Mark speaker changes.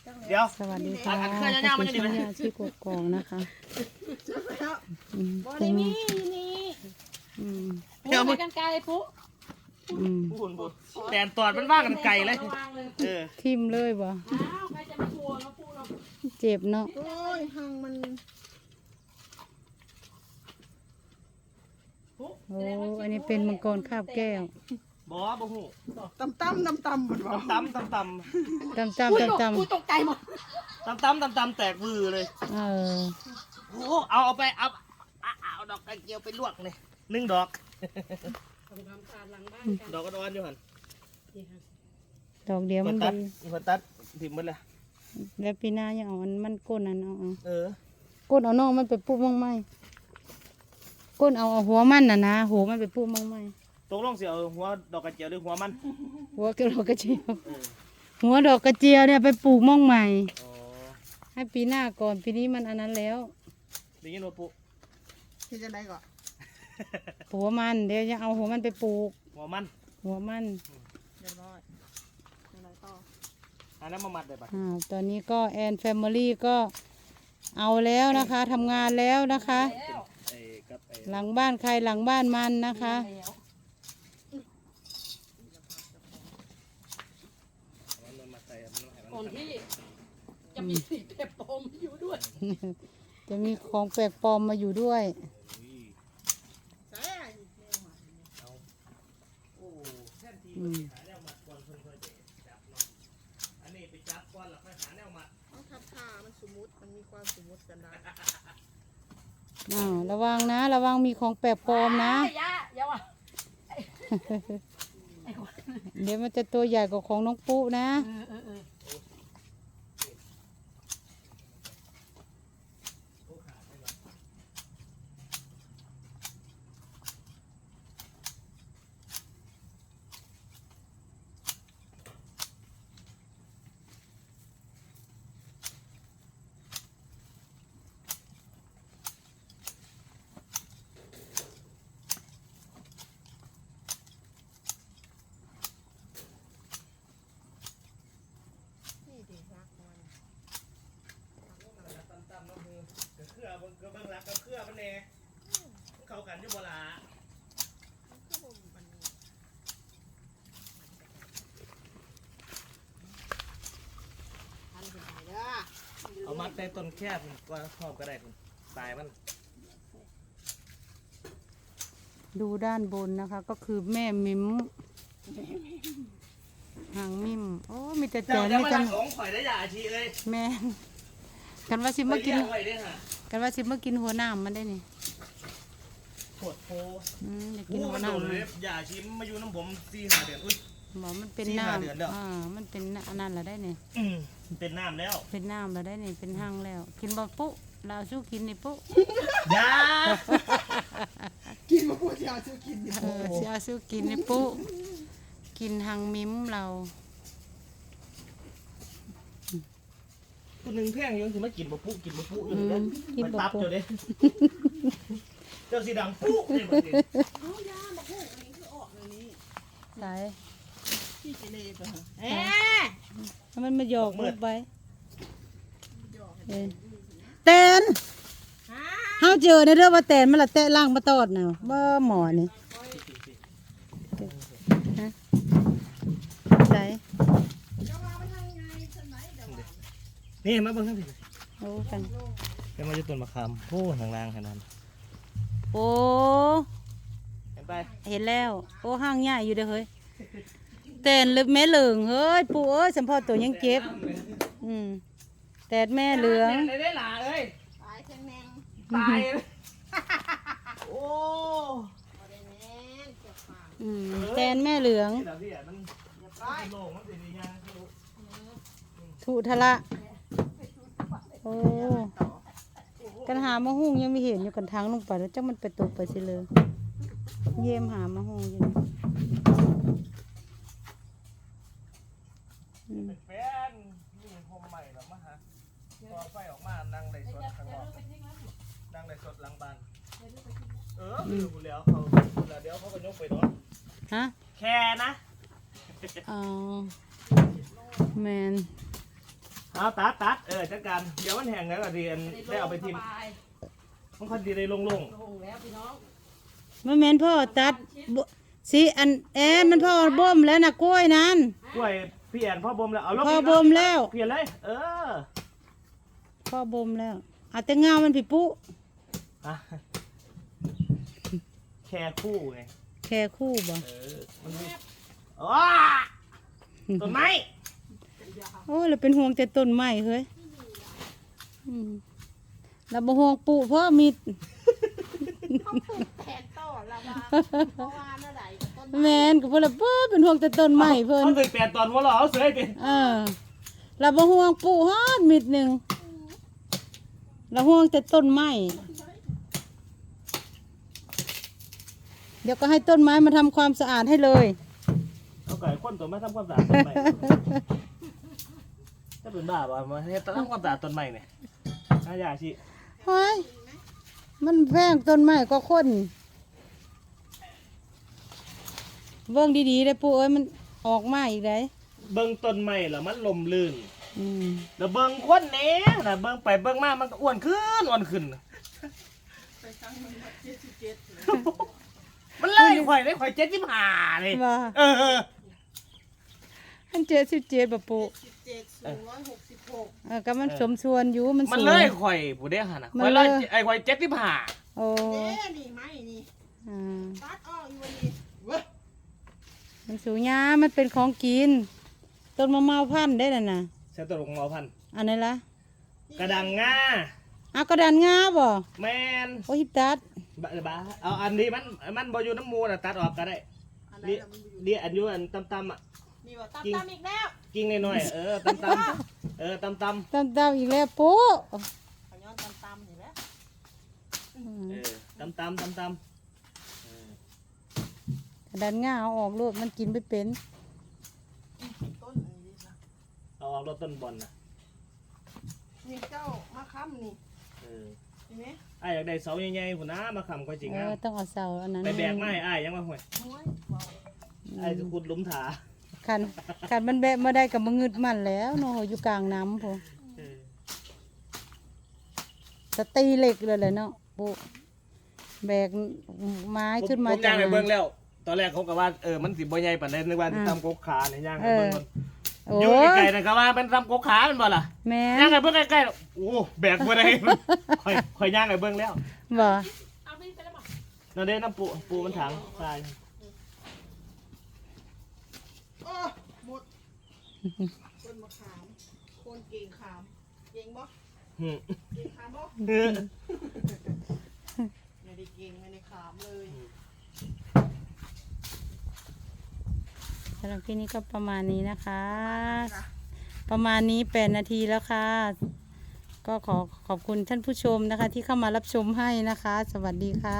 Speaker 1: เดี๋ยว
Speaker 2: สวัสดีค่ะขอบคุณช่องยาชีกกองนะคะ
Speaker 3: บอได้มีนี่เดี๋ยวไปกันไกลปุ๊
Speaker 1: บุญแต่ตอดมันว่ากันไกลเลย
Speaker 2: ทิมเลยบ่
Speaker 3: ใครจะไม่กลัวเนาะปุ๊เนาะ
Speaker 2: เจ็บเนาะ
Speaker 3: โอ้ยหังมัน
Speaker 2: โอ้อันนี้เป็นมังกรคาบแก้ว
Speaker 1: บ่หู
Speaker 3: ตำมันวะ
Speaker 1: ตำ
Speaker 2: ตำ
Speaker 3: กูตกใจหมด
Speaker 1: ตำแตกมือเลยโอ้เอาไปเอาดอกกระเจียวไปลวกเลย1 ดอกดอกกระดอนอยู่หัน
Speaker 2: ดอกเดียวมันดี
Speaker 1: ตัดถิ่มหมดเลย
Speaker 2: แล้วปีหน้ายังเอามันก้นอันเอา
Speaker 1: ก้
Speaker 2: นเอาน้องมันไปปลูกมั่งไหมก้นเอาหัวมันนะหัวมันไปปลูกมั่งไหม
Speaker 1: ตกลงเสียหัวดอกกระเจียวหรือหัวมัน
Speaker 2: หัวดอกกระเจียวหัวดอกกระเจียวเนี่ยไปปลูกมั่งใหม่ให้ปีหน้าก่อนปีนี้มันอันนั้นแล้ว
Speaker 1: ได้ยินว่าปลูก
Speaker 3: ที่จะได้ก่อน
Speaker 2: หัวมันเดี๋ยวจะเอาหัวมันไปปลูก
Speaker 1: หัวมัน
Speaker 2: เ
Speaker 3: รียบร้อยอะไรต่อ
Speaker 1: อันนั้นมามัดได้ปะ
Speaker 2: ตอนนี้ก็แอนแฟมิลี่ก็เอาแล้วนะคะทำงานแล้วนะคะหลังบ้านใครหลังบ้านมันนะคะ
Speaker 3: ก่อนที่จะมีสิ่งแปลกปลอมอยู่ด้วย
Speaker 2: จะมีของแปลกปลอมมาอยู่ด้วย
Speaker 3: มันมีความสมมุติกันได้
Speaker 2: ระวังนะระวังมีของแปลกปลอมนะ
Speaker 3: อย่าว่ะ
Speaker 2: เดี๋ยวมันจะตัวใหญ่กว่าของน้องปุ๊นะ
Speaker 1: เบิ่งรักกับเครือมันแน่เข้ากันอยู่บ่ล่ะเอามัดใต้ต้นแคบก็ชอบก็ได้คุณตายมัน
Speaker 2: ดูด้านบนนะคะก็คือแม่มิมหางมิมโอ้มีแต่แจนไม่จัง
Speaker 1: ของข่อยได้ยาอาชีเลย
Speaker 2: แม่กันว่าสิมากินหัวหน้ามันได้นี่
Speaker 1: ปวดโพ
Speaker 2: อยากกินหัวหน้ามัน
Speaker 1: ยาชิมมาอยู่น้ำผม4-5 เดือน
Speaker 2: หมอมันเป็นน้ำมันเป็นอันนั้นละได้นี่
Speaker 1: เป็นน้ำแล้ว
Speaker 2: เป็นน้ำละได้นี่เป็นหั่งแล้วกินบ่ปุ๊เราสู้กินนี่ปุ๊
Speaker 1: ยา
Speaker 3: กินมาปุ๊จะเอาสู้กินนี่
Speaker 2: จะสู้กินนี่ปุ๊กินหั่งมิ้มเรา
Speaker 1: คนหนึ่งแพงยังถึงมากินบะปุ๊อยู่เลยมันตับเจ้าเด้เจ้าสีดังปุ๊เนี่ยมัน
Speaker 3: เอายาบะปุ๊อันนี้คือออกเลยนี่
Speaker 2: ใส่
Speaker 3: ที่เจเลปะ
Speaker 2: มันมาหยอกมืดไปแตนเฮาเจอในเรื่องว่าแตนมันละแตะล่างมาตอดน่ะว่าหมอนี่ใส่
Speaker 1: นี่มาเบิ่งทั้งที
Speaker 2: โอ้กัน
Speaker 1: เดี๋ยวมาจะต้นมะขามโอ้ทางล่างขนาด
Speaker 2: โอ้
Speaker 1: เห็นไป
Speaker 2: เห็นแล้วโอ้ห้างใหญ่อยู่เด้อเฮ้ยแตนลึกแม่เหลืองเฮ้ยปู่เอ้ยสัมพอตัวยังเก็บแตนแม่เหลือง
Speaker 1: ได้หล่าเอ้ย
Speaker 3: ตายแข็งแรง
Speaker 1: ตายโอ้
Speaker 2: แตนแม่เหลืองถูทะละโอ้กันหามะฮุ่งยังไม่เห็นอยู่กันทางลงไปแล้วจ้ามันไปตกไปสิเลยเยี่ยมหามะฮุ่งอยู่
Speaker 1: แฟนนี่โฮมใหม่หรอมะฮะพอไฟออกมานั่งในสดข้างนอกนั่งในสดหลังบ้านดูแล้วเขาเดี๋ยวเขาก็ยกไปเนาะ
Speaker 2: ฮะ
Speaker 1: แค่นะ
Speaker 2: แมน
Speaker 1: เอาตัดจัดการเดี๋ยวมันแห้งแล้วก็ดีได้เอาไปทิมมันค่อยดีได้โล่ง
Speaker 3: ลงแล้วพี่น้อง
Speaker 2: มันแม่นพ่อตัดบ่สิอันมันพ่อบ่มแล้วนะกล้วยนั้น
Speaker 1: ๆกล้วยพี่แอนพ่อบ่มแล้วเอาลง
Speaker 2: พ่อบ่มแล้ว
Speaker 1: เปลี่ยนเลย
Speaker 2: พ่อบ่มแล้วเอาแต่เงามันพี่ปุ๊
Speaker 1: อ่ะแค่คู่ไง
Speaker 2: แค่คู่บ่
Speaker 1: มันมีอ้าต้นไม้
Speaker 2: โอ้ยเราเป็นห่วงแต่ต้นไม้เฮ้ยเราบ่ห่วงปู่เพราะมี
Speaker 3: แทนต่อละว่าเพราะว่าเมื่อไหร่ต้น
Speaker 2: แม่นก็เพิ่นละเบ้อเป็นห่วงแต่ต้นไม้เพิ่น
Speaker 1: มันเป็นแปดตอนหัวเราเอาเสือดิ
Speaker 2: เราบ่ห่วงปู่ฮอดมิดหนึงเราห่วงแต่ต้นไม้เดี๋ยวก็ให้ต้นไม้มาทำความสะอาดให้เลย
Speaker 1: เอาไก่ข้นตัวไม่ทำความสะอาดต้นไม้ถ้าเป็นบ้าป่ะมาให้ทำความสะอาดต้นไม้เนี่ยน่าอยากชิ
Speaker 2: เฮ้ยมันแพงต้นไม้ก็คนเบิ่งดีๆได้ปู่เอ้ยมันออกมาอีกได้
Speaker 1: เบิ้งต้นไม้แล้วมันลมลื่น
Speaker 2: อืม
Speaker 1: แล้วเบิ้งคนเนี้ยนะเบิ้งไปเบิ้งมามันก็อ้วนขึ้นมันเลยข่อยได้ข่อย75เลย
Speaker 2: ว่า อัน77บ่ปู่
Speaker 3: 17
Speaker 2: ก็มันสมส่วนอยู่มัน
Speaker 1: มัน
Speaker 2: สูง
Speaker 1: เลยข่อยผู้เดียวหั่นน่ะ
Speaker 2: มัน
Speaker 1: ข่อย
Speaker 2: เล
Speaker 1: เลย ยข่อย75
Speaker 2: โอ้
Speaker 3: เด้นี่ไม้นี่
Speaker 2: อ่า
Speaker 3: ตัดออกอยู่วันนี้เว้ย
Speaker 2: มันสูงยามันเป็นของกิน ต้นมะม่าวพันธุ์ได้น่ะนะ
Speaker 1: ใช้ตัวลงเอาพัน
Speaker 2: อันนี้ละ
Speaker 1: กระดังงา
Speaker 2: เอากระดานงาบ่
Speaker 1: แมน
Speaker 2: โอ้ยตัด
Speaker 1: บ้าเอาอันนี้มันบ่อยู่น้ำมูน่ะตัดออกก็ได้
Speaker 3: อันไหน
Speaker 1: นี่
Speaker 3: ล่ะมันอยู่
Speaker 1: นี่อันอยู่อันตำๆอ่ะ
Speaker 3: นี่ว่าตามอีกแล้ว
Speaker 1: กิ้งน้อยๆตำตำ
Speaker 2: ตามๆอีกแล้วปุ๊
Speaker 3: ขย้อนตามนี่แหละ
Speaker 1: ตำ
Speaker 2: กระดานงาเอาออกโลดมันกินไม่เป็น
Speaker 3: ต้นอันนี้นะ
Speaker 1: เอาออกรถต้นบอลนะ
Speaker 3: นี่เจ้ามาค้ำนี่เห็นไหม
Speaker 1: ไอ้อยากได้เสาใหญ่ๆพุ่นนะมาค้ำก็จริงนะ
Speaker 2: ต้องเอาเสาอันนั้น
Speaker 1: ไปแบกไม้ไอ้ยังมาห่วย
Speaker 3: โอ้ยว้าว
Speaker 1: ไอ้จะขุดหลุมถา
Speaker 2: คันมันแบะมาได้กับมางึดมันแล้วเนาะอยู่กลางน้ำพอสตีเหล็กเลยแหละเนาะปุ๊แบกไม้ขึ้นมา
Speaker 1: ผมย่างไปเบิ่งแล้ว ตอนแรกเขาก็ว่ามันสิบ่ใหญ่ปานใดนึกว่าสิทำกกขาเนี่ยย่างไปเบิ่งก่อน
Speaker 2: โอ้
Speaker 1: อยู่ไกลๆนะก็ว่าเป็นทำกกขาเป็นบ่ล่ะ
Speaker 2: แม่
Speaker 1: ย่างไปเบิ่งใกล้ๆโอ้แบกบ่ได้ค่อยย่างไปเบิ่งแล้ว
Speaker 2: บ่
Speaker 3: เอาไปแล้วบอก
Speaker 1: นั่นเด้น้ำปูมันถังทราย
Speaker 3: โอ้หมดต้นมะขามคนเก่งขามเก่งบ่
Speaker 1: หืม
Speaker 3: เก่งขามบ่ไม่ได้เก่งไม่ได้ขามเลย
Speaker 2: สำหรับที่นี้ก็ประมาณนี้นะคะ ประมาณนี้8 นาทีแล้วค่ะ ก็ขอบคุณท่านผู้ชมนะคะ ที่เข้ามารับชมให้นะคะ สวัสดีค่ะ